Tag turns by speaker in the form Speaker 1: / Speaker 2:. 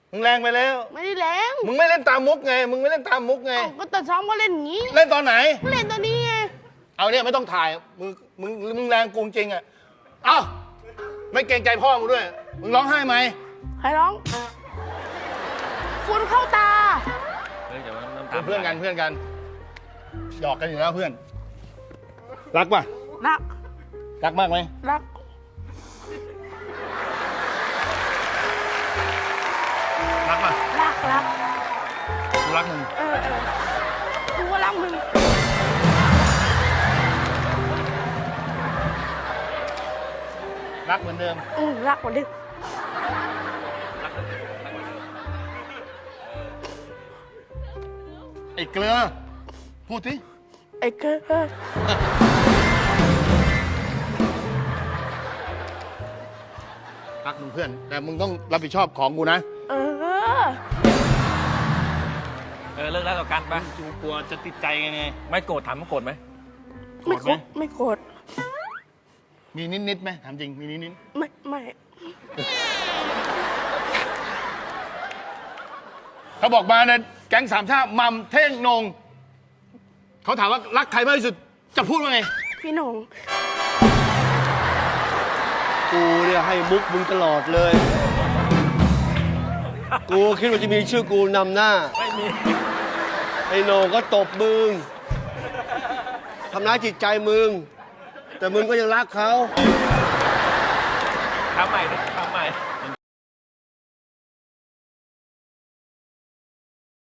Speaker 1: มึงแรงไปแล้ว
Speaker 2: ไม่ได้แรง
Speaker 1: มึงไม่เล่นตามมุกไง มึงไม่เล่นตามมุกไง
Speaker 2: ก็ตอนซ้อมก็เล่นอย่างนี้
Speaker 1: เล่นตอนไหน
Speaker 2: เล่นตอนนี้ไง
Speaker 1: เอาเนี่ยไม่ต้องถ่าย มึงแรงกูจริงอ่ะ เอ้าไม่เกรงใจพ่อมึงด้วย มึงร้องไห้ไหม
Speaker 2: ใครร้องฝุ่นเข้าตา
Speaker 3: เฮ้ยเดี๋ยวมันน้ำ
Speaker 1: เป็
Speaker 3: ตาน
Speaker 1: เพื่อนกันเพื่อนกันหยอกกันอยู่แล้วเพื่อน รักป่ะ
Speaker 2: รัก
Speaker 1: รักมากไหม
Speaker 2: รัก
Speaker 1: รักป่ะ
Speaker 2: รัก
Speaker 1: กูรักมึง
Speaker 2: กูก็รักมึง
Speaker 1: รักเหมือนเดิม
Speaker 2: รักกว่าดิ
Speaker 1: ไอ้เกลือ พูดสิ
Speaker 2: ไอ้เกิด
Speaker 1: รักมึงเพื่อน แต่มึงต้องรับผิดชอบของกูนะ
Speaker 3: เลิกแล้วต่อกันไป
Speaker 1: กูกลัวจะติดใจไง
Speaker 3: ไม่โกรธถามว่าโกรธไหม
Speaker 2: ไม่โกรธไม่โกรธ
Speaker 1: มีนิดๆไหมถามจริง มีนิด
Speaker 2: ไม่
Speaker 1: ๆเขาบอกมาเนี่ยแก๊งสามชาติมัมเท่งนง เขาถามว่ารักใครมากที่สุด จะพูดว่าไง
Speaker 2: พี่หนง
Speaker 4: กูเนี่ยให้มุกมึงตลอดเลย กูคิดว่าจะมีชื่อกูนำหน้า
Speaker 3: ไม่มี
Speaker 4: ไอ้โหนงก็ตบมึง ทำร้ายจิตใจมึง แต่มึงก็ยังรักเขา
Speaker 3: ทำใหม่ดิทำ